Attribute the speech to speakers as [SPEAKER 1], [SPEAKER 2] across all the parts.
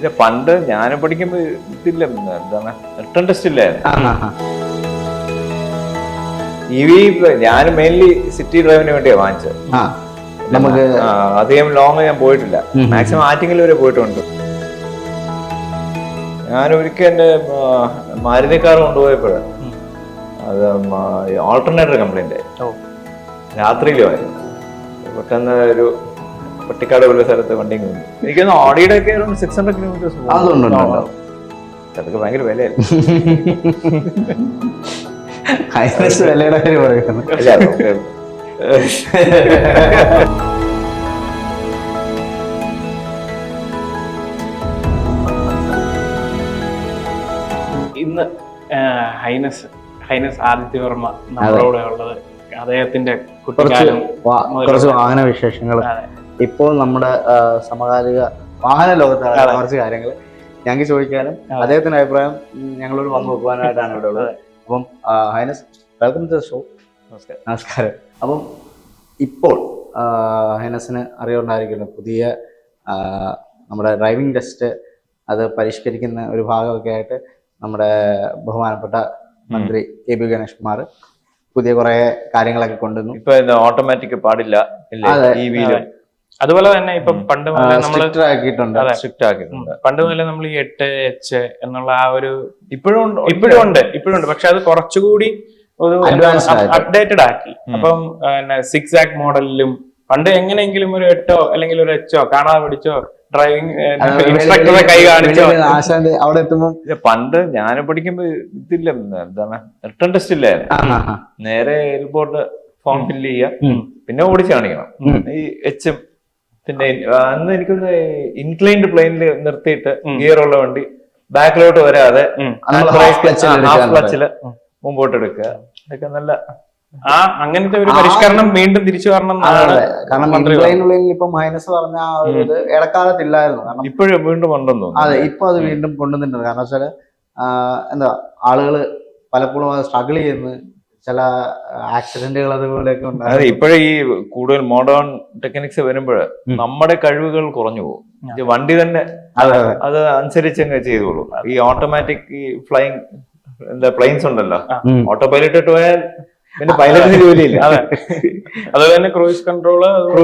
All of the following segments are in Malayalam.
[SPEAKER 1] പണ്ട് ഞാൻ പഠിക്കുമ്പോ ഇതില്ല, എന്താണ് റിട്ടേൺ ടെസ്റ്റ് ഇല്ലായിരുന്നു. ഞാൻ മെയിൻലി സിറ്റി ഡ്രൈവിന് വേണ്ടിയാ വാങ്ങിച്ചത്.
[SPEAKER 2] നമുക്ക്
[SPEAKER 1] അധികം ലോങ് ഞാൻ പോയിട്ടില്ല, മാക്സിമം ആറ്റിങ്ങൽ വരെ പോയിട്ടുണ്ട്. ഞാൻ ഒരിക്കൽ എന്റെ മാരുതി കാർ കൊണ്ടുപോയപ്പോഴ് അത് ഓൾട്ടർനേറ്റർ കംപ്ലൈന്റ് രാത്രിയിലും ആയിരുന്നു. പെട്ടെന്ന് ഒരു പട്ടിക്കാട് പോലെ സ്ഥലത്ത് വണ്ടി നിന്നു. എനിക്കൊന്ന് ഓഡിയുടെ ഒക്കെ 600 കിലോമീറ്റേഴ്സ് അതൊക്കെ ഭയങ്കര വിലയായിരുന്നു.
[SPEAKER 2] വിലയുടെ കാര്യം പറയുന്നത്
[SPEAKER 3] ഇന്ന് ഹൈനസ് ആദിത്യവർമ്മ നമ്മളോട് ഉള്ളത് അദ്ദേഹത്തിന്റെ കുട്ടിക്കാലം,
[SPEAKER 2] കുറച്ച് വാഹന വിശേഷങ്ങൾ, ഇപ്പോൾ നമ്മുടെ സമകാലിക വാഹന ലോകത്താണ് കുറച്ച് കാര്യങ്ങൾ ഞങ്ങൾക്ക് ചോദിക്കാനും അദ്ദേഹത്തിന്റെ അഭിപ്രായം ഞങ്ങളോട് വന്നു നോക്കുവാനായിട്ടാണ് ഇവിടെ ഉള്ളത്. അപ്പം highness, welcome to the show. നമസ്കാരം. അപ്പം ഇപ്പോൾ ഹൈനസിന് അറിയുണ്ടായിരിക്കുന്നു പുതിയ നമ്മുടെ ഡ്രൈവിംഗ് ടെസ്റ്റ് അത് പരിഷ്കരിക്കുന്ന ഒരു ഭാഗമൊക്കെ ആയിട്ട് നമ്മുടെ ബഹുമാനപ്പെട്ട മന്ത്രി കെ ബി ഗണേഷ് കുമാർ പുതിയ കുറെ കാര്യങ്ങളൊക്കെ കൊണ്ടുവന്നു.
[SPEAKER 1] ഇപ്പൊ ഓട്ടോമാറ്റിക് പാടില്ല,
[SPEAKER 3] അതുപോലെ തന്നെ ഇപ്പൊ പണ്ട്
[SPEAKER 2] സ്ട്രിക്റ്റ് ആക്കിയിട്ടുണ്ട്.
[SPEAKER 3] പണ്ട് മുതലേ നമ്മൾ ഈ 8H എന്നുള്ള ആ ഒരു ഇപ്പോഴും ഉണ്ട്. പക്ഷെ അത് കുറച്ചുകൂടി ഒരു അപ്ഡേറ്റഡ് ആക്കി. അപ്പം 6 മോഡലിലും പണ്ട് എങ്ങനെയെങ്കിലും ഒരു 8 അല്ലെങ്കിൽ ഒരു H കാണാതെ പിടിച്ചോ ഡ്രൈവിംഗ് ഇൻസ്ട്രക്ടറെ കൈ കാണിച്ചോ
[SPEAKER 2] അവിടെ എത്തുമ്പോ.
[SPEAKER 1] പണ്ട് ഞാൻ പഠിക്കുമ്പോ ഇതില്ല, എന്താണ് റിട്ടേൺ ടെസ്റ്റ് ഇല്ലായിരുന്നു. നേരെ എയർപോർട്ട് ഫോം ഫില്ല് ചെയ്യുക, പിന്നെ ഓടിച്ച് കാണിക്കണം. ഈ എച്ചും പിന്നെ അന്ന് എനിക്കൊന്ന് ഇൻക്ലൈൻഡ് പ്ലെയിനിൽ നിർത്തിയിട്ട് ഗിയർ ഉള്ള വണ്ടി ബാക്കിലോട്ട് വരാതെ ക്ലച്ചില് മുമ്പോട്ട് എടുക്കുക. അതൊക്കെ നല്ല
[SPEAKER 3] അങ്ങനത്തെ ഒരു പരിഷ്കരണം വീണ്ടും തിരിച്ചു വരണം.
[SPEAKER 2] കാരണം ഇപ്പൊ മൈനസ് പറഞ്ഞ ആ ഒരു ഇത് ഇടക്കാലത്തില്ലായിരുന്നു. കാരണം
[SPEAKER 1] ഇപ്പോഴും വീണ്ടും ഉണ്ടെന്ന് തോന്നുന്നു.
[SPEAKER 2] അതെ, ഇപ്പൊ അത് വീണ്ടും കൊണ്ടുവന്നിട്ടുണ്ട്. കാരണം വെച്ചാല് എന്താ ആളുകള് പലപ്പോഴും അത് സ്ട്രഗിൾ ചെയ്യുന്നു, ചില ആക്സിഡന്റുകൾ അതുപോലെയൊക്കെ ഉണ്ട്.
[SPEAKER 1] ഇപ്പോഴും ഈ കൂടുതൽ മോഡേൺ ടെക്നിക്സ് വരുമ്പോൾ നമ്മുടെ കഴിവുകൾ കുറഞ്ഞു പോകും. വണ്ടി തന്നെ അത് അനുസരിച്ച് അങ്ങ് ചെയ്തോളൂ. ഈ ഓട്ടോമാറ്റിക് ഈ ഫ്ലൈങ് പ്ലെയിൻസ് ഉണ്ടല്ലോ, ഓട്ടോ പൈലറ്റ് ഇട്ട് പോയാൽ പിന്നെ പൈലറ്റിന് ജോലിയില്ല.
[SPEAKER 3] അതുപോലെ തന്നെ ക്രൂയിസ് കൺട്രോൾ.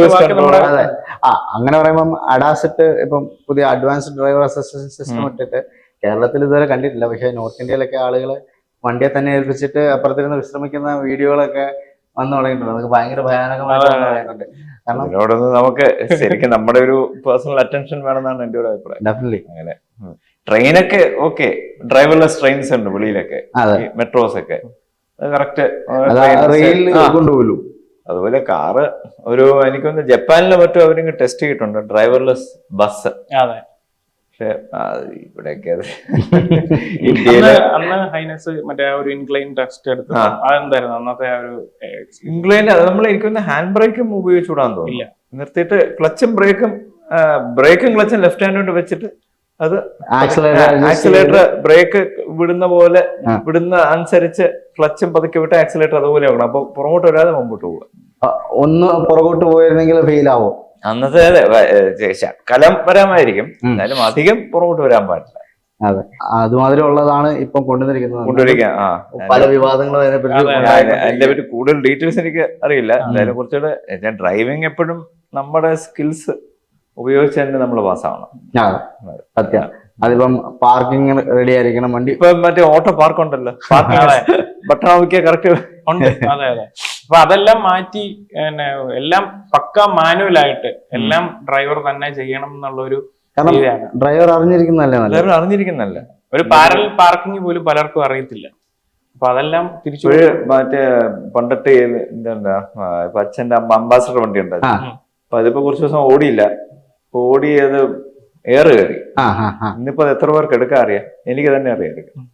[SPEAKER 2] അങ്ങനെ പറയുമ്പം അഡാസിറ്റ് ഇപ്പം പുതിയ അഡ്വാൻസ്ഡ് ഡ്രൈവർ അസിസ്റ്റൻസ് സിസ്റ്റം ഇട്ടിട്ട് കേരളത്തിൽ ഇതുവരെ കണ്ടിട്ടില്ല. പക്ഷെ നോർത്ത് ഇന്ത്യയിലൊക്കെ ആളുകൾ വണ്ടിയെ തന്നെ ഏൽപ്പിച്ചിട്ട് അപ്പുറത്തിരുന്ന് വിശ്രമിക്കുന്ന വീഡിയോകളൊക്കെ വന്നു തുടങ്ങിയിട്ടുണ്ട്. നമുക്ക് ഭയങ്കര ഭയാനകമായിട്ട് പറയുന്നുണ്ട്. കാരണം
[SPEAKER 1] ഇതിനോടൊന്ന് നമുക്ക് ശരിക്കും നമ്മുടെ ഒരു പേഴ്സണൽ അറ്റൻഷൻ വേണമെന്നാണ് എന്റെ ഒരു അഭിപ്രായം.
[SPEAKER 2] ഡെഫിനറ്റ്ലി.
[SPEAKER 1] അങ്ങനെ ട്രെയിനൊക്കെ ഓക്കെ, ഡ്രൈവർലെസ് ട്രെയിൻസ് ഉണ്ട് വെളിയിലൊക്കെ, മെട്രോസ് ഒക്കെ കറക്റ്റ്
[SPEAKER 2] കൊണ്ടുപോലും.
[SPEAKER 1] അതുപോലെ കാറ് ഒരു എനിക്കൊന്ന് ജപ്പാനിലെ മറ്റും അവരിങ്ങ് ടെസ്റ്റ് ചെയ്തിട്ടുണ്ട് ഡ്രൈവർലെസ് ബസ്. പക്ഷെ ഇവിടെയൊക്കെ അത്
[SPEAKER 3] ഇന്ത്യയില് അന്ന് ഹൈനസ് മറ്റേ ഒരു ഇൻക്ലൈൻ ടെസ്റ്റ് എടുത്തു. അതെന്തായിരുന്നു അന്നത്തെ ഒരു
[SPEAKER 1] ഇൻക്ലൈൻ? നമ്മൾ എനിക്കൊന്ന് ഹാൻഡ് ബ്രേക്കും ഉപയോഗിച്ചുകൂടാന്ന് തോന്നില്ല. നിർത്തിയിട്ട് ക്ലച്ചും ബ്രേക്കും ക്ലച്ചും ലെഫ്റ്റ് ഹാൻഡ് കൊണ്ട് വെച്ചിട്ട് അത് ആക്സിലേറ്റർ ബ്രേക്ക് വിടുന്ന പോലെ വിടുന്ന അനുസരിച്ച് ക്ലച്ചും പതുക്കെ വിട്ട് ആക്സിലേറ്റർ അതുപോലെ ആവണം. അപ്പൊ പുറകോട്ട് വരാതെ മുമ്പോട്ട് പോവുക.
[SPEAKER 2] ഒന്ന് പുറകോട്ട് പോയിരുന്നെങ്കിൽ ഫെയിൽ ആവും.
[SPEAKER 1] അന്നത്തെ കലം വരാമായിരിക്കും, എന്നാലും അധികം പുറകോട്ട് വരാൻ പാടില്ല.
[SPEAKER 2] അതെ, അതുമാതിരി ഉള്ളതാണ് ഇപ്പം
[SPEAKER 1] കൊണ്ടുവരിക.
[SPEAKER 2] പല വിവാദങ്ങളും
[SPEAKER 1] അതിനെ പറ്റി കൂടുതൽ ഡീറ്റെയിൽസ് എനിക്ക് അറിയില്ല. എന്തായാലും കുറച്ചുകൂടെ ഡ്രൈവിംഗ് എപ്പോഴും നമ്മുടെ സ്കിൽസ് ഉപയോഗിച്ച് തന്നെ നമ്മൾ പാസ്സാവണം.
[SPEAKER 2] സത്യം. അതിപ്പം പാർക്കിംഗ് റെഡി ആയിരിക്കണം വണ്ടി.
[SPEAKER 1] ഇപ്പൊ മറ്റേ ഓട്ടോ പാർക്ക് ഉണ്ടല്ലോ, ബട്ടൺ നോക്കിയാൽ കറക്റ്റ്
[SPEAKER 3] ഉണ്ട്. അതെ അതെ. അപ്പൊ അതെല്ലാം മാറ്റി എല്ലാം പക്ക മാനുവലായിട്ട് എല്ലാം ഡ്രൈവർ തന്നെ ചെയ്യണം എന്നുള്ളൊരു രീതിയാണ്.
[SPEAKER 2] ഡ്രൈവർ അറിഞ്ഞിരിക്കുന്നതല്ല.
[SPEAKER 3] ഒരു പാരലൽ പാർക്കിംഗ് പോലും പലർക്കും അറിയത്തില്ല. അപ്പൊ അതെല്ലാം തിരിച്ചു
[SPEAKER 1] മറ്റേ പണ്ടത്തെ എന്താ ഇപ്പൊ അച്ഛന്റെ അംബാസഡർ വണ്ടി ഉണ്ടായിരുന്നു. അപ്പൊ അതിപ്പോ കുറച്ച് ദിവസം ഓടിയില്ല. ഓടി അത് എയർ കയറി. ഇന്നിപ്പോ എത്ര പേർക്ക് എടുക്കാൻ അറിയാം? എനിക്ക് തന്നെ അറിയാം എടുക്കാം.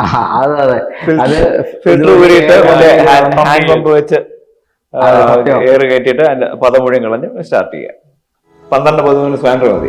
[SPEAKER 1] ഫിൽറ്റർ ഊരിയിട്ട് ഹാൻഡ് പമ്പ് വെച്ച് എയർ കയറ്റിയിട്ട് അതിന്റെ പദം മുഴുവൻ കളഞ്ഞ് സ്റ്റാർട്ട് ചെയ്യാം. 12-13 സ്പാൻഡർ മതി.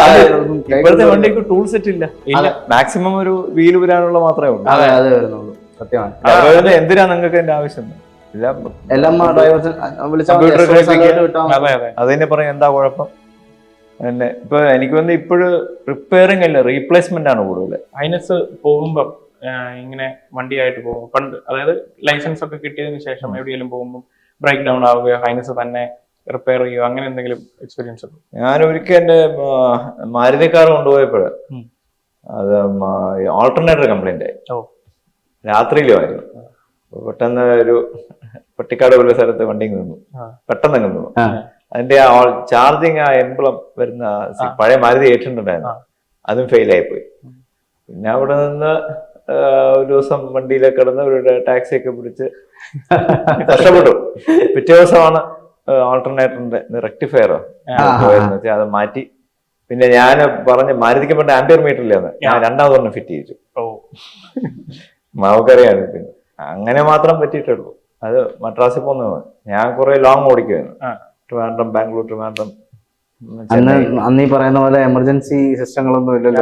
[SPEAKER 1] ഇപ്പോഴത്തെ വണ്ടിക്ക് ടൂൾ സെറ്റ് ഇല്ല. മാക്സിമം ഒരു വീല് വരാനുള്ള മാത്രമേ ഉള്ളൂ.
[SPEAKER 2] സത്യമാണ്.
[SPEAKER 1] എന്തിനാ നിങ്ങൾക്ക് എന്റെ ആവശ്യം?
[SPEAKER 2] എല്ലാം ഡ്രൈവേഴ്സ്
[SPEAKER 3] അതെ അതെ
[SPEAKER 1] അത് തന്നെ പറയും എന്താ കുഴപ്പം. പിന്നെ ഇപ്പൊ എനിക്ക് വന്ന് ഇപ്പോഴും റിപ്പയറിംഗ് അല്ല റീപ്ലേസ്മെന്റ് ആണ് കൂടുതൽ.
[SPEAKER 3] ഹൈനസ് പോകുമ്പം ഇങ്ങനെ വണ്ടിയായിട്ട് പോകുമ്പോൾ പണ്ട്, അതായത് ലൈസൻസ് ഒക്കെ കിട്ടിയതിന് ശേഷം എവിടെയെങ്കിലും പോകുമ്പോൾ ബ്രേക്ക് ഡൗൺ ആവുകയോ ഹൈനസ് തന്നെ റിപ്പയർ ചെയ്യുകയോ അങ്ങനെ എന്തെങ്കിലും എക്സ്പീരിയൻസ് ഉണ്ടോ?
[SPEAKER 1] ഞാൻ ഒരിക്കൽ എന്റെ മാരുതി കാർ കൊണ്ടുപോയപ്പോഴ് അത് ഓൾട്ടർനേറ്റർ കംപ്ലൈന്റ് ആയി. രാത്രിയിലുമായിരുന്നു. പെട്ടെന്ന് ഒരു പട്ടിക്കാട് പോലെ സ്ഥലത്ത് വണ്ടി നിന്നു, പെട്ടെന്ന് നിന്നു. അതിന്റെ ചാർജിങ് ആ എംബ്ലം വരുന്ന പഴയ മാരുതി 800 ഉണ്ടായിരുന്നു, അതും ഫെയിൽ ആയിപ്പോയി. പിന്നെ അവിടെ നിന്ന് ഒരു ദിവസം വണ്ടിയിലൊക്കെ കിടന്ന് ഒരു ടാക്സി ഒക്കെ പിടിച്ച് കഷ്ടപ്പെട്ടു. പിറ്റേ ദിവസമാണ് ഓൾട്ടർനേറ്ററിന്റെ റെക്ടിഫയറോ അത് മാറ്റി. പിന്നെ ഞാൻ പറഞ്ഞ് മാരുതിക്ക് പണ്ട് ആംപിയർ മീറ്റർ ഇല്ലെന്ന് ഞാൻ രണ്ടാമതൊന്നും ഫിറ്റ് ചെയ്യിച്ചു. മാവക്കറിയാണ്. പിന്നെ അങ്ങനെ മാത്രം പറ്റിയിട്ടുള്ളൂ. അത് മദ്രാസിൽ പോകുന്നത്. ഞാൻ കുറെ ലോങ് ഓടിക്കുമായിരുന്നു, ട്രിവാൻഡ്രം, ബാംഗ്ലൂർ, ട്രിവാൻഡ്രം.
[SPEAKER 2] അന്ന് ഈ പറയുന്ന പോലെ എമർജൻസി സിസ്റ്റങ്ങളൊന്നും ഇല്ലല്ലോ.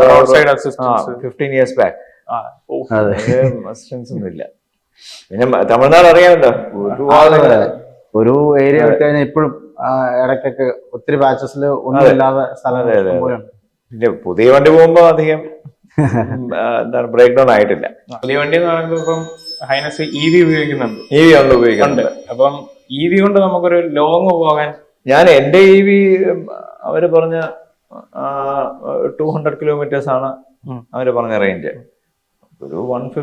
[SPEAKER 1] 15 years back അസിസ്റ്റൻസ് ഒന്നും ഇല്ല. പിന്നെ തമിഴ്നാട് അറിയാമല്ലോ,
[SPEAKER 2] ഒരു ഏരിയ കഴിഞ്ഞാൽ ഇപ്പോഴും ഇടയ്ക്കൊക്കെ ഒത്തിരി ബാച്ചസിൽ ഒന്നും ഇല്ലാതെ സ്ഥലം.
[SPEAKER 1] പിന്നെ പുതിയ വണ്ടി പോകുമ്പോ അധികം എന്താണ് ബ്രേക്ക് ഡൗൺ ആയിട്ടില്ല.
[SPEAKER 3] പുതിയ വണ്ടി എന്ന് പറയുമ്പോൾ ഇപ്പം ഹൈനസ് EV ഉപയോഗിക്കുന്നുണ്ട്.
[SPEAKER 1] EV കൊണ്ട് ഉപയോഗിക്കുന്നുണ്ട്.
[SPEAKER 3] അപ്പം EV കൊണ്ട് നമുക്കൊരു ലോങ് പോകാൻ,
[SPEAKER 1] ഞാൻ എന്റെ EV അവര് പറഞ്ഞ 200 kilometers ആണ് അവര് പറഞ്ഞ റേഞ്ച്. ഒരു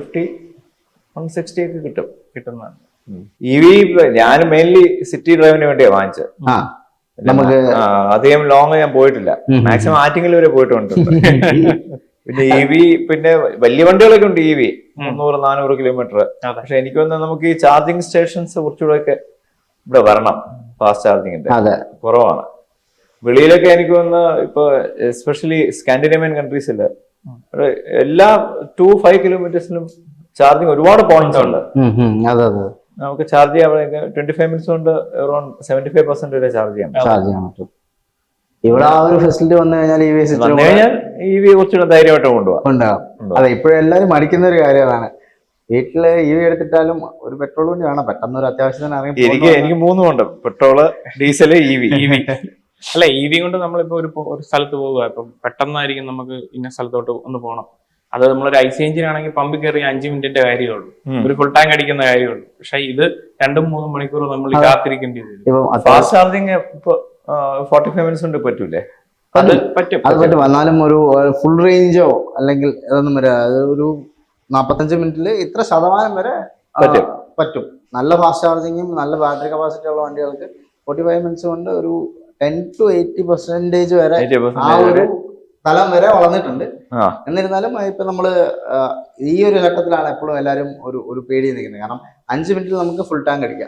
[SPEAKER 1] 150-160 ഒക്കെ കിട്ടുന്നതാണ്. EV ഞാൻ മെയിൻലി സിറ്റി ഡ്രൈവിന് വേണ്ടിയാ വാങ്ങിച്ചത്. നമുക്ക് അധികം ലോങ് ഞാൻ പോയിട്ടില്ല, മാക്സിമം ആറ്റിങ്ങൽ വരെ പോയിട്ടുണ്ട്. പിന്നെ EV പിന്നെ വലിയ വണ്ടികളൊക്കെ ഉണ്ട് EV 300-400 കിലോമീറ്റർ. പക്ഷെ എനിക്ക് തോന്നുന്നത് നമുക്ക് ഈ ചാർജിങ് സ്റ്റേഷൻസ് കുറച്ചുകൂടെ ഒക്കെ ഇവിടെ വരണം. ഫാസ്റ്റ് ചാർജിങ്ങിന്റെ കുറവാണ് വെളിയിലൊക്കെ. എനിക്ക് തോന്നുന്നു ഇപ്പൊ എസ്പെഷ്യലി സ്കാൻഡിനേവിയൻ കൺട്രീസില് എല്ലാ 2-5 കിലോമീറ്റേഴ്സിലും ചാർജിങ് ഒരുപാട് പോയിന്റ്സ് ഉണ്ട്. നമുക്ക് ചാർജ് ചെയ്യാൻ 25 മിനിറ്റ്സ് കൊണ്ട് അറൌണ്ട് 75% വരെ ചാർജ് ചെയ്യാൻ പറ്റും.
[SPEAKER 2] ഇവിടെ ആ ഒരു ഫെസിലിറ്റി വന്നു കഴിഞ്ഞാൽ
[SPEAKER 1] EV കുറച്ചുകൂടെ ധൈര്യമായിട്ട് കൊണ്ടുപോകാം.
[SPEAKER 2] അതെ, ഇപ്പോഴും എല്ലാവരും മടിക്കുന്ന ഒരു കാര്യം അതാണ്. വീട്ടില് EV എടുത്തിട്ടാലും ഒരു പെട്രോൾ വണ്ടി വേണം, പെട്ടെന്ന് ഒരു അത്യാവശ്യത്തിന്
[SPEAKER 1] എനിക്ക് 3 ഉണ്ട്, പെട്രോള്, ഡീസല്, EV.
[SPEAKER 3] അല്ല, EV കൊണ്ട് നമ്മളിപ്പോ ഒരു സ്ഥലത്ത് പോകുക, ഇപ്പം പെട്ടെന്നായിരിക്കും നമുക്ക് ഇന്ന സ്ഥലത്തോട്ട് ഒന്ന് പോകണം. അത് നമ്മളൊരു IC എഞ്ചിൻ ആണെങ്കിൽ പമ്പിൽ കയറി 5 മിനിറ്റിന്റെ കാര്യമുള്ളൂ, ഒരു ഫുൾ ടാങ്ക് അടിക്കുന്ന കാര്യമുള്ളൂ. പക്ഷെ ഇത് 2-3 മണിക്കൂർ നമ്മൾ കാത്തിരിക്കേണ്ടി വരും.
[SPEAKER 1] ഫാസ്റ്റ് ചാർജിങ് ഇപ്പൊ 45 മിനിറ്റ്സ് കൊണ്ട് പറ്റൂലേ?
[SPEAKER 3] അത് പറ്റും.
[SPEAKER 2] എന്നാലും ഒരു ഫുൾ റേഞ്ചോ അല്ലെങ്കിൽ ഇതൊന്നും വരെ ഒരു 45 മിനിറ്റിൽ ഇത്ര ശതമാനം വരെ പറ്റും. നല്ല ഫാസ്റ്റ് ചാർജിങ്ങും നല്ല ബാറ്ററി കപ്പാസിറ്റി ഉള്ള വണ്ടികൾക്ക് 45 മിനിറ്റ്സ് കൊണ്ട് ഒരു 10 to 80% വരെ ആ ഒരു തലം വരെ വളർന്നിട്ടുണ്ട്. എന്നിരുന്നാലും ഇപ്പൊ നമ്മള് ഈ ഒരു ഘട്ടത്തിലാണ് എപ്പോഴും എല്ലാവരും ഒരു പേടി നിൽക്കുന്നത്. കാരണം 5 മിനിറ്റിൽ നമുക്ക് ഫുൾ ടാങ്ക് അടിക്കാം,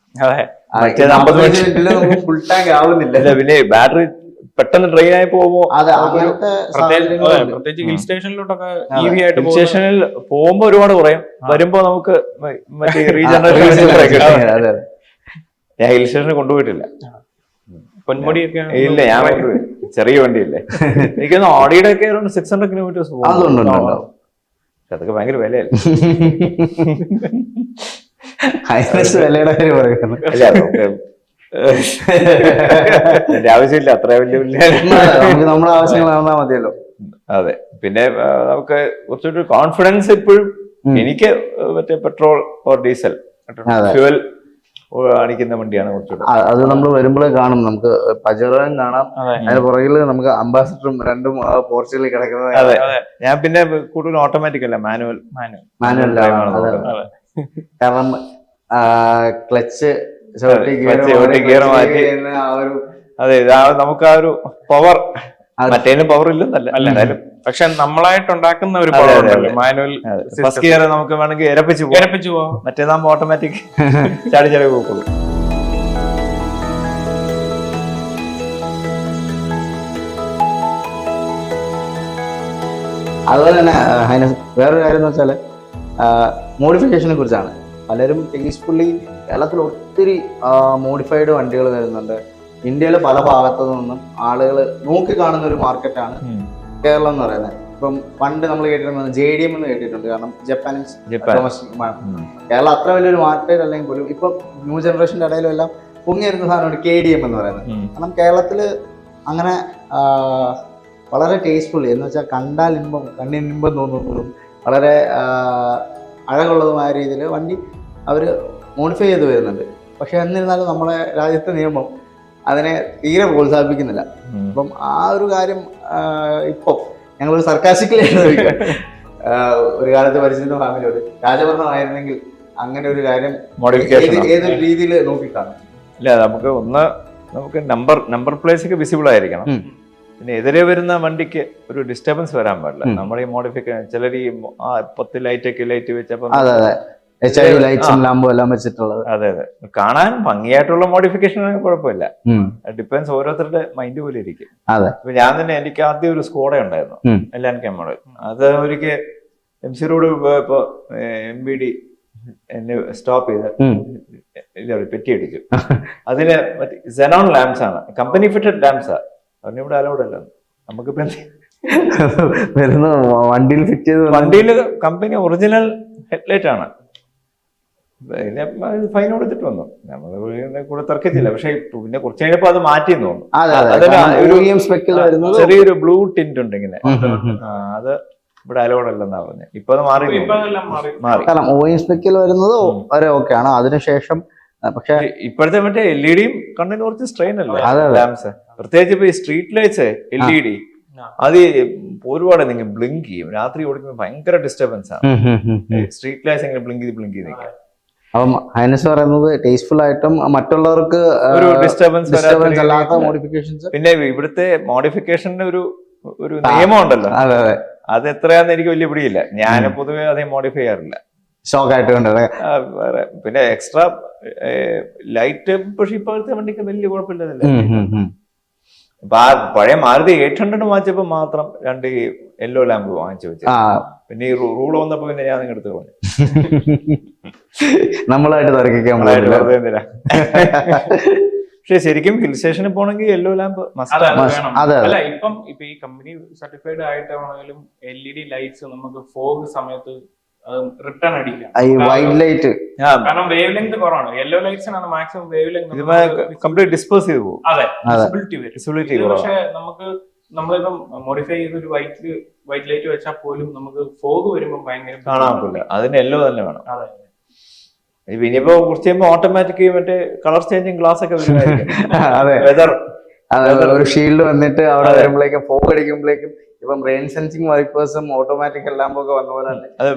[SPEAKER 2] 50 മിനിറ്റിൽ നമുക്ക് ഫുൾ ടാങ്ക് ആവുന്നില്ല.
[SPEAKER 1] പിന്നെ ബാറ്ററി പെട്ടെന്ന് ഡ്രെയിൻ ആയി പോകുമ്പോ
[SPEAKER 3] പ്രത്യേകിച്ച് ഹിൽ സ്റ്റേഷനിലോട്ടൊക്കെ EV ആയിട്ട്
[SPEAKER 1] ഹിൽ സ്റ്റേഷനിൽ പോകുമ്പോ ഒരുപാട് കുറയും, വരുമ്പോ നമുക്ക് മറ്റേ റീജനറേഷൻ. ഞാൻ ഹിൽ സ്റ്റേഷനിൽ കൊണ്ടുപോയിട്ടില്ല.
[SPEAKER 3] പൊന്മുടിയൊക്കെ
[SPEAKER 1] ഇല്ല, ഞാൻ കൊണ്ടുപോയി. ചെറിയ വണ്ടിയല്ലേ. എനിക്കൊന്ന് ഓഡിയുടെ ഒക്കെ 600 kilometers പോകും. അതൊക്കെ ഭയങ്കര വിലയല്ലേ.
[SPEAKER 2] വിലയുടെ കാര്യം പറയുന്നു.
[SPEAKER 1] എന്റെ ആവശ്യമില്ല, അത്ര വലിയ
[SPEAKER 2] നമ്മുടെ ആവശ്യങ്ങൾ നടന്നാൽ മതിയല്ലോ.
[SPEAKER 1] അതെ, പിന്നെ നമുക്ക് കുറച്ചൊരു കോൺഫിഡൻസ് ഇപ്പോഴും എനിക്ക് മറ്റേ പെട്രോൾ ഓർ ഡീസൽ ഫ്യൂവൽ അടിക്കുന്ന വണ്ടിയാണ് കുറച്ചുകൂടെ.
[SPEAKER 2] അത് നമ്മൾ വരുമ്പോഴേ കാണും, നമുക്ക് പജറോയും കാണാം, അതിന് പുറകില് നമുക്ക് അംബാസിഡറും രണ്ടും പോർച്ചുഗലിൽ കിടക്കുന്നത്.
[SPEAKER 1] അതെ, ഞാൻ പിന്നെ കൂടുതൽ ഓട്ടോമാറ്റിക് അല്ല, മാനുവൽ.
[SPEAKER 2] കാരണം ക്ലച്ച്
[SPEAKER 1] ഗിയർ മാറ്റി. അതെ, നമുക്ക് ആ ഒരു പവർ, മറ്റേനും പവർ ഇല്ലെന്നല്ല, എന്തായാലും
[SPEAKER 3] പക്ഷെ നമ്മളായിട്ട് ഉണ്ടാക്കുന്ന ഒരു പവർ ഉണ്ടല്ലോ മാനുവൽ.
[SPEAKER 1] ഫസ്റ്റ് ഗിയർ നമുക്ക് വേണമെങ്കിൽ ഇരപ്പിച്ചു പോവാം, മറ്റേതാകുമ്പോ ഓട്ടോമാറ്റിക് ചാടി ചാടി പോകുള്ളൂ.
[SPEAKER 2] അതുപോലെ തന്നെ വേറൊരു കാര്യം എന്ന് വെച്ചാല് മോഡിഫിക്കേഷനെ കുറിച്ചാണ്. പലരും പീസ്ഫുള്ളി കേരളത്തിൽ ഒത്തിരി മോഡിഫൈഡ് വണ്ടികൾ വരുന്നുണ്ട്. ഇന്ത്യയിലെ പല ഭാഗത്തു നിന്നും ആളുകൾ നോക്കി കാണുന്ന ഒരു മാർക്കറ്റാണ് കേരളം എന്ന് പറയുന്നത്. ഇപ്പം പണ്ട് നമ്മൾ കേട്ടിരുന്നത് JDM എന്ന് കേട്ടിട്ടുണ്ട്, കാരണം Japanese
[SPEAKER 1] Japan.
[SPEAKER 2] Domestic market. Keralam അത്ര വലിയൊരു മാർക്കറ്റ് അല്ലെങ്കിൽ പോലും ഇപ്പം ന്യൂ ജനറേഷൻ്റെ ഇടയിലും എല്ലാം പൊങ്ങി വരുന്ന സാധനമാണ് KDM എന്ന് പറയുന്നത്. കാരണം കേരളത്തിൽ അങ്ങനെ വളരെ ടേസ്റ്റ്ഫുള്ളി എന്ന് വെച്ചാൽ കണ്ടാൽ ഇമ്പം, കണ്ണിന് ഇമ്പം തോന്നുന്നതും വളരെ അഴകുള്ളതുമായ രീതിയിൽ വണ്ടി അവർ മോഡിഫൈ ചെയ്ത് വരുന്നുണ്ട്. പക്ഷെ എന്നിരുന്നാലും നമ്മുടെ രാജ്യത്തെ നിയമം അതിനെ തീരെ പ്രോത്സാഹിപ്പിക്കുന്നില്ല. അപ്പം ആ ഒരു കാര്യം ഇപ്പം ഞങ്ങളൊരു സർക്കാസ്റ്റിക്കലി ഒരു കാലത്ത് പരിചിത ഫാമിലിയോട് രാജഭരണമായിരുന്നെങ്കിൽ അങ്ങനെ ഒരു കാര്യം ഏതൊരു രീതിയിൽ നോക്കിക്കാണും.
[SPEAKER 1] ഇല്ല, നമുക്ക് നമ്പർ പ്ലേസ് ഒക്കെ വിസിബിൾ ആയിരിക്കണം. പിന്നെ എതിരെ വരുന്ന വണ്ടിക്ക് ഒരു ഡിസ്റ്റർബൻസ് വരാൻ പാടില്ല. നമ്മൾ ഈ മോഡിഫിക്കേഷൻ ചിലർ ഈ 10 ലൈറ്റ് വെച്ചപ്പോൾ
[SPEAKER 2] ലൈറ്റ്സും ലാമ്പും എല്ലാം വെച്ചിട്ടുള്ളത്.
[SPEAKER 1] അതെ കാണാൻ ഭംഗിയായിട്ടുള്ള മോഡിഫിക്കേഷൻ കുഴപ്പമില്ല. ഡിപ്പെൻസ് ഓരോരുത്തരുടെ മൈൻഡ് പോലെ ഇരിക്കും. ഇപ്പൊ ഞാൻ തന്നെ, എനിക്ക് ആദ്യം ഒരു സ്കോഡ ഉണ്ടായിരുന്നു, LNK മോഡൽ. അത് ഒരിക്കൽ MC റോഡ് പോയപ്പോ MBD എന്നെ സ്റ്റോപ്പ് ചെയ്ത് പെറ്റി അടിച്ചു. അതിന് മറ്റേ സെനോൺ ലാംപ്സ് ആണ്, കമ്പനി ഫിറ്റഡ് ലാംപ്സാ. അതിന് ഇവിടെ അലൗഡ് അല്ല. നമുക്കിപ്പോ
[SPEAKER 2] വരുന്ന വണ്ടിയിൽ ഫിറ്റ് ചെയ്ത്,
[SPEAKER 1] വണ്ടിയിൽ കമ്പനി ഒറിജിനൽ ഹെഡ്ലൈറ്റ് ആണ്. പിന്നെ ഫൈൻ കൊടുത്തിട്ട് വന്നു. നമ്മള് കൂടെ തർക്കിച്ചില്ല. പക്ഷെ പിന്നെ കുറച്ച് കഴിഞ്ഞപ്പോ അത് മാറ്റിയെന്ന് തോന്നുന്നു. ചെറിയൊരു ബ്ലൂ ടിന്റ് ഉണ്ട് ഇങ്ങനെ, അത് ഇവിടെ അലൗഡ് അല്ലെന്നാ പറഞ്ഞത്. ഇപ്പൊ അത് മാറി.
[SPEAKER 2] കാരണം OEM സ്പെക്കിൽ വരുന്നത് വരെ ഓക്കെ ആണ്. അതിനുശേഷം പക്ഷെ
[SPEAKER 1] ഇപ്പോഴത്തെ മറ്റേ LED-യും കണ്ണിന് കുറച്ച് സ്ട്രെയിൻ അല്ലേ ലാംപ്സ്, പ്രത്യേകിച്ച് ഇപ്പൊ ഈ സ്ട്രീറ്റ് ലൈറ്റ്സ് LED അത് ഒരുപാട് നിങ്ങൾ ബ്ലിങ്ക് ചെയ്യും. രാത്രി ഓടിക്കുമ്പോൾ ഭയങ്കര ഡിസ്റ്റർബൻസ് ആണ്. സ്ട്രീറ്റ് ലൈറ്റ്സ് എങ്ങനെ ബ്ലിങ്ക് ചെയ്ത് നിൽക്കാം.
[SPEAKER 2] അപ്പം ഹൈനസ് പറയുന്നത് ടേസ്റ്റ്ഫുൾ ആയിട്ടും മറ്റുള്ളവർക്ക്
[SPEAKER 1] ഒരു ഡിസ്റ്റർബൻസ്
[SPEAKER 2] അല്ലാത്ത മോഡിഫിക്കേഷൻസ്.
[SPEAKER 1] പിന്നെ ഇവിടുത്തെ മോഡിഫിക്കേഷന്റെ ഒരു നിയമം ഉണ്ടല്ലോ, അത് എത്രയാന്ന് എനിക്ക് വലിയ പിടിയില്ല. ഞാൻ പൊതുവെ അതേ മോഡിഫൈ ചെയ്യാറില്ല,
[SPEAKER 2] ഷോക്ക് ആയിട്ട് കണ്ടത്.
[SPEAKER 1] പിന്നെ എക്സ്ട്രാ ലൈറ്റ്, പക്ഷെ ഇപ്പോഴത്തെ വണ്ടിക്ക് വലിയ കുഴപ്പമില്ലതല്ലേ. ഇപ്പൊ ആ പഴയ മാരുതി 800 വാങ്ങിച്ചപ്പോ മാത്രം 2 യെല്ലോ ലാമ്പ് വാങ്ങിച്ചു വെച്ചു. പിന്നെ ഈ റൂൾ വന്നപ്പോ പിന്നെ ഞാൻ എടുത്ത് പറഞ്ഞു.
[SPEAKER 2] നമ്മളായിട്ട് തർക്കിക്കാൻ.
[SPEAKER 1] പക്ഷെ ശരിക്കും ഹിൽ സ്റ്റേഷനിൽ പോണെങ്കിൽ യെല്ലോ ലാമ്പ്
[SPEAKER 3] അല്ല. ഇപ്പം ഈ കമ്പനി സർട്ടിഫൈഡ് ആയിട്ടാണെങ്കിലും LED ലൈറ്റ്സ് നമുക്ക് ഫോഗ് സമയത്ത് റിട്ടേൺ അടിക്കാം.
[SPEAKER 2] വൈറ്റ് ലൈറ്റ്
[SPEAKER 3] കാരണം വേവ് ലെങ്ത് കുറവാണ്. യെല്ലോ ലൈറ്റ്സിനാണ് maximum wavelength
[SPEAKER 1] complete disperse ചെയ്തു പോകും.
[SPEAKER 3] അതെ, വിസിബിലിറ്റി വരും. പക്ഷെ നമുക്ക് നമ്മളിപ്പം മോഡിഫൈ ചെയ്ത് ഒരു വൈറ്റ് ലൈറ്റ് വെച്ചാൽ പോലും നമുക്ക് ഫോഗ് വരുമ്പോൾ ഭയങ്കര
[SPEAKER 1] കാണാൻ പറ്റില്ല. അതിന് യെല്ലോ തന്നെ വേണം.
[SPEAKER 3] അതെ.
[SPEAKER 1] ഇനിയിപ്പോ കുറച്ച് കഴിയുമ്പോ ഓട്ടോമാറ്റിക് മറ്റേ കളർ ചേഞ്ചിങ് ഗ്ലാസ് ഒക്കെ
[SPEAKER 2] ഒരു ഷീൽഡ് വന്നിട്ട് അവിടെ വരുമ്പോഴേക്കും ഫോഗ് അടിക്കുമ്പോഴേക്കും ഇപ്പം റെയിൻ സെൻസിങ് വൈപ്പേഴ്സും ഓട്ടോമാറ്റിക് എല്ലാം ഒക്കെ വന്ന പോലെ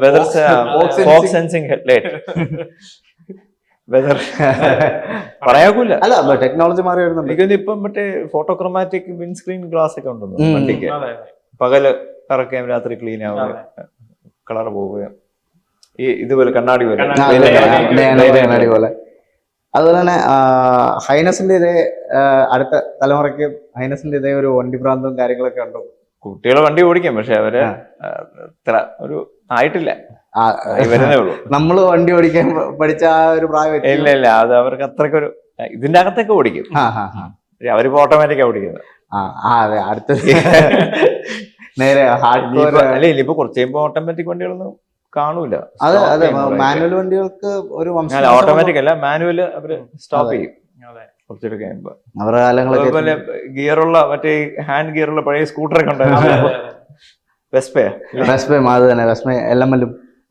[SPEAKER 1] പറയാക്കൂല.
[SPEAKER 2] അല്ല, ടെക്നോളജി മാറി വരുന്നുണ്ട്.
[SPEAKER 1] എനിക്കൊന്ന് ഇപ്പം മറ്റേ ഫോട്ടോക്രോമാറ്റിക് വിൻസ്ക്രീൻ ഗ്ലാസ് ഒക്കെ ഉണ്ടെന്ന് വണ്ടിക്ക്. പകല് കറക്കുകയും രാത്രി ക്ലീൻ ആവുകയും കളർ പോവുകയും ഈ ഇതുപോലെ കണ്ണാടി പോലെ.
[SPEAKER 2] അതുപോലെ തന്നെ ഹൈനസിന്റെ ഇതേ അടുത്ത തലമുറയ്ക്ക് ഹൈനസിന്റെ ഇതേ ഒരു വണ്ടി ഭ്രാന്തവും കാര്യങ്ങളൊക്കെ ഉണ്ടോ?
[SPEAKER 1] കുട്ടികളെ വണ്ടി ഓടിക്കാം, പക്ഷെ അവര് ഇത്ര ഒരു ആയിട്ടില്ല, വരുന്നേ ഉള്ളൂ.
[SPEAKER 2] നമ്മള് വണ്ടി ഓടിക്കാൻ പഠിച്ച ആ ഒരു പ്രായം
[SPEAKER 1] ഇല്ല. അത് അവർക്ക് അത്രക്കൊരു ഇതിന്റെ അകത്തൊക്കെ ഓടിക്കും. അവരിപ്പോ ഓട്ടോമാറ്റിക്കാ ഓടിക്കുന്നത്.
[SPEAKER 2] അതെ, അടുത്ത നേരെ
[SPEAKER 1] അല്ലെ ഇനിയിപ്പോ കുറച്ച് കഴിയുമ്പോ ഓട്ടോമാറ്റിക് വണ്ടികളൊന്നും കാണൂല.
[SPEAKER 2] അതെ, മാനുവൽ വണ്ടികൾക്ക് ഒരു
[SPEAKER 1] ഓട്ടോമാറ്റിക് അല്ല, മാനുവൽ അവര് സ്റ്റോപ്പ് ചെയ്യും കുറച്ചൊക്കെ കഴിയുമ്പോ.
[SPEAKER 2] അവരുടെ കാലങ്ങളൊക്കെ
[SPEAKER 1] അതുപോലെ ഗിയറുള്ള മറ്റേ ഹാൻഡ് ഗിയറുള്ള പഴയ സ്കൂട്ടറൊക്കെ ഉണ്ടായിരുന്നു. വെസ്പേ
[SPEAKER 2] അത് തന്നെ, വെസ്പേ LML-ഉം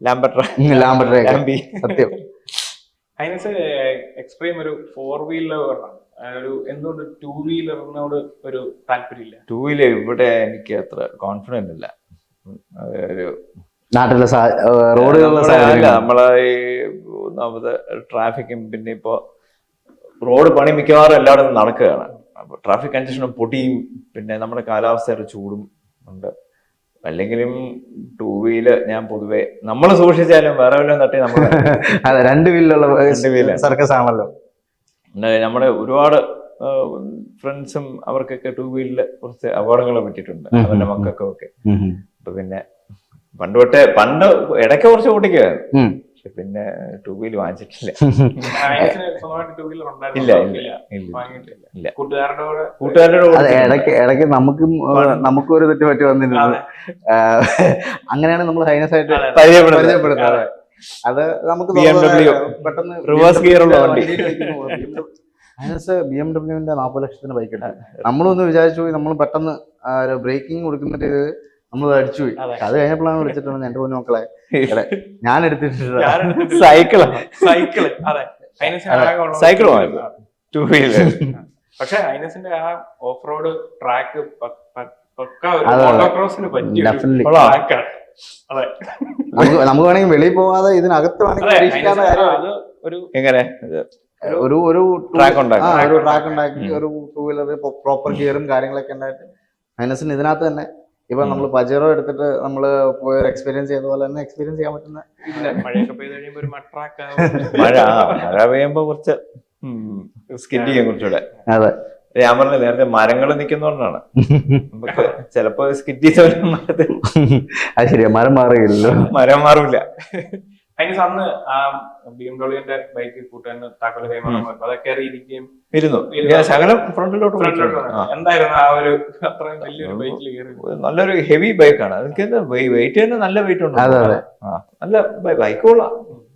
[SPEAKER 2] സത്യം.
[SPEAKER 3] ഹൈനസ് എക്സ്ട്രീം ഒരു 4 വീലർ ഒരു എന്തുകൊണ്ട് 2 വീലറിനോട് ഒരു താല്പര്യമില്ല?
[SPEAKER 1] 2 വീലർ ഇവിടെ എനിക്ക് അത്ര കോൺഫിഡന്റ് ഇല്ല. ഒരു
[SPEAKER 2] നാട്ടിലെ റോഡുകളിലെ
[SPEAKER 1] നമ്മളെ ഈ ഒന്നാമത് ട്രാഫിക്കും, പിന്നെ ഇപ്പോ റോഡ് പണി മിക്കവാറും എല്ലായിടത്തും നടക്കുകയാണ്. അപ്പൊ ട്രാഫിക് കൺജഷനും പൊടിയും പിന്നെ നമ്മുടെ കാലാവസ്ഥയുടെ ചൂടും ഉണ്ട്. അല്ലെങ്കിലും 2 വീലർ ഞാൻ പൊതുവെ നമ്മൾ സൂക്ഷിച്ചാലും വേറെ വല്ലതും തട്ടി നമ്മൾ
[SPEAKER 2] 2 വീലുള്ള സർക്കസ് ആണല്ലോ.
[SPEAKER 1] നമ്മുടെ ഒരുപാട് ഫ്രണ്ട്സും അവർക്കൊക്കെ 2 വീലില് കുറച്ച് അപകടങ്ങൾ പറ്റിയിട്ടുണ്ട്, അവരുടെ മക്കൾക്കും ഒക്കെ. അപ്പൊ പിന്നെ പണ്ട് ഇടയ്ക്ക് കുറച്ച് ഓടിക്കുമായിരുന്നു. പിന്നെ ടൂ വീലർ വാങ്ങിച്ചിട്ടില്ല.
[SPEAKER 3] ഹൈനസിന് സ്വന്തമായിട്ട് ടൂ വീലർ ഉണ്ടായിരുന്നു?
[SPEAKER 1] ഇല്ല ഇല്ല ഇല്ല
[SPEAKER 3] വാങ്ങിയിട്ടില്ല.
[SPEAKER 1] ഇല്ല.
[SPEAKER 3] കൂട്ടുകാരുടെ
[SPEAKER 1] കൂട്ടുകാരുടെ
[SPEAKER 2] അതെ, ഇടയ്ക്ക് നമുക്കും ഒരു തെറ്റ് പറ്റി വന്നിരുന്നു. അങ്ങനെയാണ് നമ്മൾ ഹൈനസ് ആയിട്ട് പരിചയപ്പെടുന്നത്. അത് നമുക്ക്
[SPEAKER 1] BMW
[SPEAKER 2] പെട്ടെന്ന്
[SPEAKER 1] റിവേഴ്സ് ഗിയർ ഉള്ള വണ്ടി.
[SPEAKER 2] ഹൈനസ് BMW 40 ലക്ഷത്തിന് ബൈക്ക് ഉണ്ട്. നമ്മളൊന്ന് വിചാരിച്ചു പോയി, നമ്മൾ പെട്ടെന്ന് ബ്രേക്കിംഗ് കൊടുക്കുന്നിട്ട് നമ്മൾ അടിച്ചു പോയി. അത് കഴിഞ്ഞപ്പോഴാണ് വിളിച്ചിട്ടുണ്ട്, എന്റെ പൊന്നു മക്കളെ ഞാൻ എടുത്തിട്ടുണ്ട്
[SPEAKER 1] സൈക്കിളാ.
[SPEAKER 3] സൈക്കിൾ
[SPEAKER 1] വാങ്ങി ടൂ വീലർ.
[SPEAKER 3] പക്ഷെ ഹൈനസിന്റെ ആ ഓഫ് റോഡ് ട്രാക്ക് പക്ക ഒരു മോട്ടോക്രോസിന് പറ്റിയ ട്രാക്കാണ്. അതെ,
[SPEAKER 2] നമുക്ക് വേണമെങ്കിൽ വെളിയിൽ പോകാതെ ഇതിനകത്ത്
[SPEAKER 1] എങ്ങനെ
[SPEAKER 2] ഒരു
[SPEAKER 1] ട്രാക്ക് ഉണ്ടാക്കി
[SPEAKER 2] ഒരു ട്രാക്ക് ഉണ്ടാക്കി ഒരു ടൂ വീലർ പ്രോപ്പർ ഗിയറും കാര്യങ്ങളൊക്കെ ഉണ്ടായിട്ട് ഹൈനസിന് ഇതിനകത്ത് തന്നെ ഇപ്പൊ നമ്മൾ പജേറോ എടുത്തിട്ട് നമ്മള് പോയ എക്സ്പീരിയൻസ് ചെയ്ത പോലെ തന്നെ എക്സ്പീരിയൻസ് ചെയ്യാൻ പറ്റുന്ന.
[SPEAKER 3] മഴയൊക്കെ പെയ്ത് കഴിയുമ്പോ ഒരു
[SPEAKER 1] മഴ പെയ്യുമ്പോ കുറച്ച് സ്കിഡ് ചെയ്യാൻ കുറച്ചുകൂടെ.
[SPEAKER 2] അതെ,
[SPEAKER 1] ഞാൻ പറഞ്ഞ നേരത്തെ മരങ്ങൾ നിൽക്കുന്നോണ്ടാണ് നമുക്ക് ചിലപ്പോ സ്കിഡ് ചെയ്ത
[SPEAKER 2] അത് ശരിയാ, മരം മാറുകയില്ലല്ലോ.
[SPEAKER 1] മരം മാറില്ല.
[SPEAKER 3] ഹൈനസ് അന്ന് ആ BMW ബൈക്ക് കൂട്ടാൻ താക്കോല് കൈമാറാൻ അതൊക്കെ അറിയിരിക്കുകയും
[SPEAKER 1] ഇരുന്നു ശകലം ഫ്രണ്ടിലോട്ട്.
[SPEAKER 3] എന്തായിരുന്നു ആ ഒരു അത്രയും വലിയൊരു ബൈക്കിൽ കയറി?
[SPEAKER 1] നല്ലൊരു ഹെവി ബൈക്കാണ്. അതൊക്കെ വെയിറ്റ് തന്നെ നല്ല വെയിറ്റ് ഉണ്ട്. നല്ല ബൈക്കുകളാ.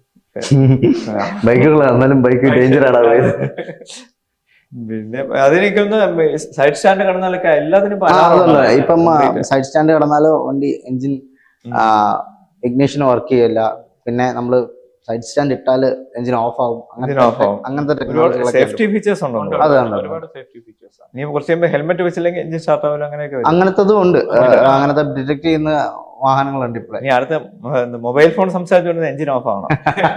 [SPEAKER 2] ബൈക്കുകളാണ്, എന്നാലും ബൈക്ക് ഡേഞ്ചറാണ്.
[SPEAKER 1] പിന്നെ അതിനൊക്കെ സൈഡ് സ്റ്റാൻഡ് കടന്നാലൊക്കെ എല്ലാത്തിനും
[SPEAKER 2] ഇപ്പം സൈഡ് സ്റ്റാൻഡ് കടന്നാലോ വണ്ടി എഞ്ചിൻ ഇഗ്നിഷൻ വർക്ക് ചെയ്യില്ല. പിന്നെ നമ്മള് സൈഡ് സ്റ്റാൻഡ് ഇട്ടാല് എഞ്ചിൻ ഓഫ് ആവും. അങ്ങനത്തെ
[SPEAKER 1] സേഫ്റ്റി ഫീച്ചേഴ്സ് ഉണ്ടോ?
[SPEAKER 3] ഒരുപാട് സേഫ്റ്റി ഫീച്ചേഴ്സ്.
[SPEAKER 1] നീ കുറച്ച് കഴിയുമ്പോൾ ഹെൽമെറ്റ് വെച്ചില്ലെങ്കിൽ എഞ്ചിൻ സ്റ്റാർട്ട് ആവില്ല.
[SPEAKER 2] അങ്ങനത്തതും ഉണ്ട്. അങ്ങനത്തെ ഡിറ്റക്ട് ചെയ്യുന്ന വാഹനങ്ങളുണ്ട് ഇപ്പോഴേ.
[SPEAKER 1] നീ അടുത്ത മൊബൈൽ ഫോൺ സംസാരിച്ചുകൊണ്ട് എഞ്ചിൻ ഓഫ് ആവണം.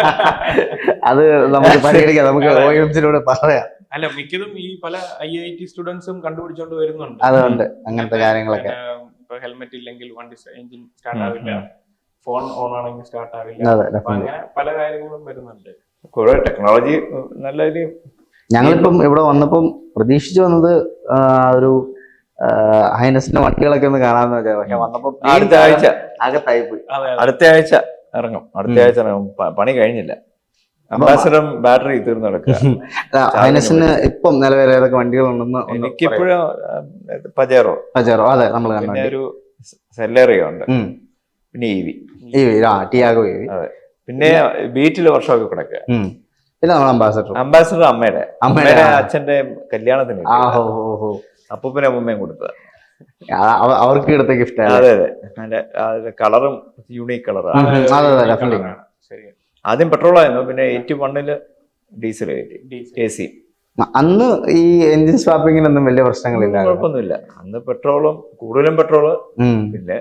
[SPEAKER 2] അത് നമുക്ക് പരിഗണിക്കാം, നമുക്ക് OEMസിനോട് പറയാം.
[SPEAKER 3] അല്ല, മിക്കതും ഈ പല IIT സ്റ്റുഡൻസും കണ്ടുപിടിച്ചോണ്ട് വരുന്നുണ്ട്.
[SPEAKER 2] അതുകൊണ്ട് അങ്ങനത്തെ കാര്യങ്ങളൊക്കെ.
[SPEAKER 3] ഇപ്പൊ ഹെൽമെറ്റ് ഇല്ലെങ്കിൽ വണ്ടി എഞ്ചിൻ സ്റ്റാർട്ട് ആവില്ല, ഫോൺ ഓൺ ആണെങ്കിൽ സ്റ്റാർട്ട് ആവില്ല. അങ്ങനെ പല കാര്യങ്ങളും വരുന്നുണ്ട്.
[SPEAKER 1] കുറെ ടെക്നോളജി നല്ല.
[SPEAKER 2] ഞങ്ങളിപ്പം ഇവിടെ വന്നപ്പം പ്രതീക്ഷിച്ചു വന്നത് ഒരു ഹൈനസിന്റെ വണ്ടികളൊക്കെ ഒന്ന് കാണാന്ന് വെച്ചാൽ, പക്ഷെ വന്നപ്പോ
[SPEAKER 1] അടുത്ത ആഴ്ച
[SPEAKER 2] അകത്തായി പോയി.
[SPEAKER 1] അടുത്ത ആഴ്ച ഇറങ്ങും. പണി കഴിഞ്ഞില്ല. അംബാസഡറും ബാറ്ററി തീർന്നു കിടക്കുക.
[SPEAKER 2] ഹൈനസിന് ഇപ്പം നിലവിൽ ഏതൊക്കെ വണ്ടികളുണ്ടെന്ന്
[SPEAKER 1] എനിക്കിപ്പോഴും പജേറോ.
[SPEAKER 2] അതെ, നമ്മൾ
[SPEAKER 1] പിന്നെ ഒരു സെല്ലേറിയോ ഉണ്ട്. പിന്നെ
[SPEAKER 2] ടിയാഗോ.
[SPEAKER 1] അതെ, പിന്നെ ബീറ്റില് വർഷമൊക്കെ കിടക്കുക.
[SPEAKER 2] പിന്നെ നമ്മൾ
[SPEAKER 1] അംബാസഡർ അമ്മയുടെ അച്ഛന്റെ കല്യാണത്തിന് അപ്പൂപ്പനും അമ്മൂമ്മയും കൊടുത്തത്.
[SPEAKER 2] അവർക്ക് എടുത്ത ഗിഫ്റ്റ്.
[SPEAKER 1] അതെ അതെ, കളറും യൂണീക് കളറാണ്. ആദ്യം പെട്രോൾ ആയിരുന്നു, പിന്നെ 81 ഡീസൽ AC.
[SPEAKER 2] അന്ന് ഈ എഞ്ചിൻ സ്വാപ്പിങ്ങിനൊന്നും വലിയ പ്രശ്നങ്ങളില്ല,
[SPEAKER 1] കുഴപ്പമൊന്നുമില്ല. അന്ന് പെട്രോളും കൂടുതലും പെട്രോള്. പിന്നെ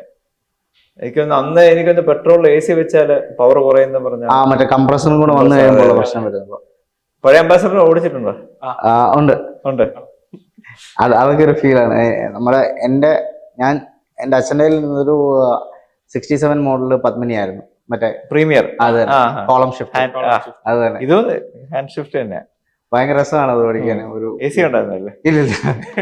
[SPEAKER 1] എനിക്കൊന്ന് പെട്രോൾ AC വെച്ചാല് പവർ കുറയുന്ന പറഞ്ഞ
[SPEAKER 2] മറ്റേ കംപ്രസറും കൂടെ വന്നു കഴിയുമ്പോൾ പ്രശ്നം വരുമ്പോ.
[SPEAKER 1] പഴയ അംബാസഡർ ഓടിച്ചിട്ടുണ്ടോ?
[SPEAKER 2] ഉണ്ട്. അതൊക്കെ ഒരു ഫീലാണ്. ഞാൻ എന്റെ അച്ഛൻ്റെ നിന്നൊരു 67 മോഡല് പത്മിനി ആയിരുന്നു, മറ്റേ
[SPEAKER 1] പ്രീമിയർ.
[SPEAKER 2] അതെ, കോളം ഷിഫ്റ്റ്. അത് തന്നെ,
[SPEAKER 1] ഇത് ഹാൻഡ് ഷിഫ്റ്റ് തന്നെ.
[SPEAKER 2] ഭയങ്കര രസമാണ് അത് ഓടിക്കാൻ. ഒരു
[SPEAKER 1] AC ഉണ്ടായിരുന്നല്ലേ?
[SPEAKER 2] ഇല്ല,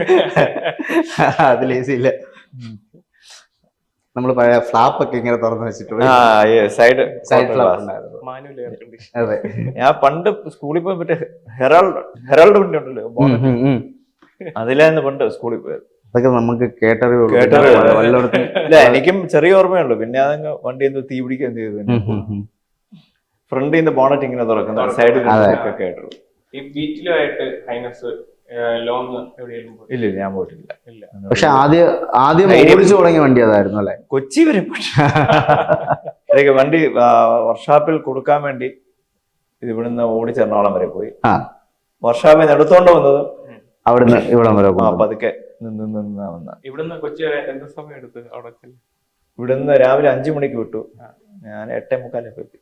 [SPEAKER 2] അതിൽ AC ഇല്ല. നമ്മള് പഴയ ഫ്ലാപ്പ് ഒക്കെ ഇങ്ങനെ തുറന്നു വെച്ചിട്ട്
[SPEAKER 1] സൈഡ്
[SPEAKER 2] ഫ്ലാപ്പ് ഉണ്ടായിരുന്നു. അതെ,
[SPEAKER 1] ഞാൻ പണ്ട് സ്കൂളിൽ പോയി മറ്റേ ഹെറാൾഡ് വണ്ടി ഉണ്ടല്ലോ, അതിലായിരുന്നു പണ്ട് സ്കൂളിൽ പോയത്.
[SPEAKER 2] അതൊക്കെ നമുക്ക് കേട്ടറിവ്.
[SPEAKER 1] ഇല്ല, എനിക്കും ചെറിയ ഓർമ്മയുള്ളൂ. പിന്നെ അതങ്ങ് വണ്ടി എന്ത് തീ പിടിക്കാൻ ചെയ്തു. ഫ്രണ്ടിൽ നിന്ന് ബോണറ്റ് ഇങ്ങനെ തുറക്കുന്ന സൈഡിൽ കേട്ടുള്ളൂ.
[SPEAKER 3] ഈ ബീറ്റിലുമായിട്ട് ഹൈനസ് ലോങ് എവിടെയെങ്കിലും?
[SPEAKER 1] ഇല്ല, ഞാൻ പോയിട്ടില്ല.
[SPEAKER 2] പക്ഷെ ആദ്യം ഓടിച്ചു തുടങ്ങിയ വണ്ടി അതായിരുന്നു അല്ലെ?
[SPEAKER 1] കൊച്ചി വരെ പോയി വണ്ടി വർക്ക്ഷോപ്പിൽ കൊടുക്കാൻ വേണ്ടി ഇത് ഇവിടുന്ന് ഓടിച്ച് എറണാകുളം വരെ പോയി. വർക്ക്ഷോപ്പിൽ നിന്ന് എടുത്തോണ്ട് വന്നത്
[SPEAKER 2] അവിടുന്ന് ഇവിടം വരെ
[SPEAKER 1] പതുക്കെ നിന്ന് വന്ന.
[SPEAKER 3] ഇവിടുന്ന് കൊച്ചി എന്ത് സമയം എടുത്ത് അവിടെ?
[SPEAKER 1] ഇവിടുന്ന് രാവിലെ 5 മണിക്ക് വിട്ടു. ഞാൻ 8:45 എത്തി.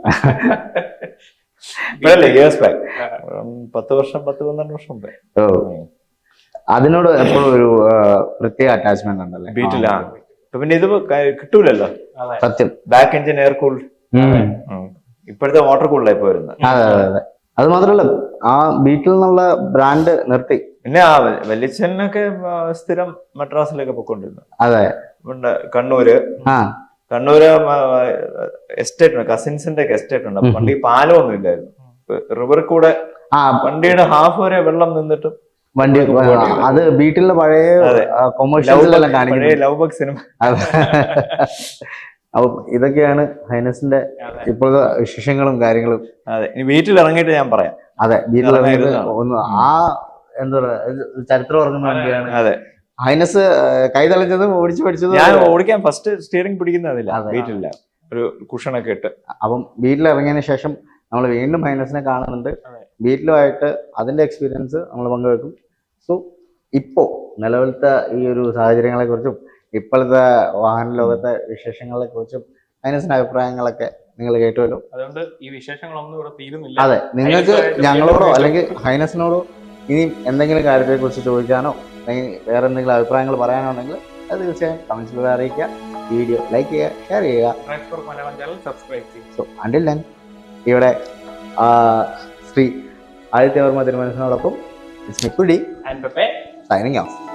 [SPEAKER 1] ഇയേഴ്സ് ബാക്ക്, 10 വർഷം 10-12 വർഷം മുമ്പേ.
[SPEAKER 2] അതിനോട് എപ്പോഴും ഒരു പ്രത്യേക അറ്റാച്ച്മെന്റ് ഉണ്ടല്ലേ
[SPEAKER 1] ബീറ്റിലാ. പിന്നെ ഇത് കിട്ടൂലല്ലോ
[SPEAKER 2] സത്യം.
[SPEAKER 1] Back engine air cooled. ഇപ്പോഴത്തെ വാട്ടർ കൂൾഡായി പോയിരുന്നത്.
[SPEAKER 2] അതെ. അത് മാത്രല്ല ആ ബീറ്റിൽ നിന്നുള്ള ബ്രാൻഡ് നിർത്തി.
[SPEAKER 1] പിന്നെ ആ വല്യച്ഛനൊക്കെ സ്ഥിരം മദ്രാസിലൊക്കെ പൊക്കോണ്ടിരുന്നു.
[SPEAKER 2] അതെ,
[SPEAKER 1] കണ്ണൂര്, കണ്ണൂര് എസ്റ്റേറ്റ് ഉണ്ട്, കസിൻസിന്റെ ഒക്കെ എസ്റ്റേറ്റ് ഉണ്ട്. അപ്പൊ പണ്ട് ഈ പാലമൊന്നും ഇല്ലായിരുന്നു. റിവറിൽ കൂടെ വണ്ടിയുടെ ഹാഫ് വരെ വെള്ളം നിന്നിട്ടും
[SPEAKER 2] വണ്ടി അത് വീട്ടിലെ പഴയ കൊമേഴ്ഷ്യൽസിലെല്ലാം കാണിക്കുന്നത്
[SPEAKER 1] ലവ് ബഗ് സിനിമ.
[SPEAKER 2] അപ്പൊ ഇതൊക്കെയാണ് ഹൈനസിന്റെ ഇപ്പോഴത്തെ വിശേഷങ്ങളും കാര്യങ്ങളും.
[SPEAKER 1] അതെ, ഇനി വീട്ടിൽ ഇറങ്ങിയിട്ട് ഞാൻ പറയാം.
[SPEAKER 2] അതെ, വീട്ടിൽ ഇറങ്ങിയിട്ട് ഒന്ന് ആ എന്താ പറയാ ചരിത്രം ഉറങ്ങുന്ന വണ്ടിയാണ്.
[SPEAKER 1] അതെ,
[SPEAKER 2] ഹൈനസ് കൈ തെളിഞ്ഞതും ഓടിച്ചു പഠിച്ചതും.
[SPEAKER 1] ഞാൻ ഓടിക്കാൻ ഫസ്റ്റ് സ്റ്റിയറിംഗ് പിടിക്കുന്നതില്ല, വീട്ടിലില്ല, ഒരു കുഷനൊക്കെ ഇട്ട്.
[SPEAKER 2] അപ്പം വീട്ടിലിറങ്ങിയതിന് ശേഷം നമ്മൾ വീണ്ടും ഹൈനസിനെ കാണുന്നുണ്ട്. വീട്ടിലുമായിട്ട് അതിന്റെ എക്സ്പീരിയൻസ് നമ്മൾ പങ്കുവെക്കും. സോ ഇപ്പോ നിലവിലത്തെ ഈ ഒരു സാഹചര്യങ്ങളെ കുറിച്ചും ഇപ്പോഴത്തെ വാഹന ലോകത്തെ വിശേഷങ്ങളെ കുറിച്ചും ഹൈനസിന്റെ അഭിപ്രായങ്ങളൊക്കെ നിങ്ങൾ കേട്ടുവല്ലോ.
[SPEAKER 3] അതുകൊണ്ട് ഈ വിശേഷങ്ങളൊന്നും ഇവിടെ തീരുന്നില്ല.
[SPEAKER 2] അതെ, നിങ്ങൾക്ക് ഞങ്ങളോടോ അല്ലെങ്കിൽ ഹൈനസിനോടോ ഇനി എന്തെങ്കിലും കാര്യത്തെ കുറിച്ച് ചോദിക്കാനോ അല്ലെങ്കിൽ വേറെ എന്തെങ്കിലും അഭിപ്രായങ്ങൾ പറയാനോ ഉണ്ടെങ്കിൽ അത് തീർച്ചയായും കമന്റ്സിലൂടെ അറിയിക്കുക. വീഡിയോ ലൈക്ക് ചെയ്യുക, ഷെയർ ചെയ്യുക. സോ അണ്ടിൽ ദെൻ ഇവിടെ ശ്രീ ആദിത്യവർമ്മ തിരുമനസിനോടൊപ്പം സൈനിങ് ഓഫ്.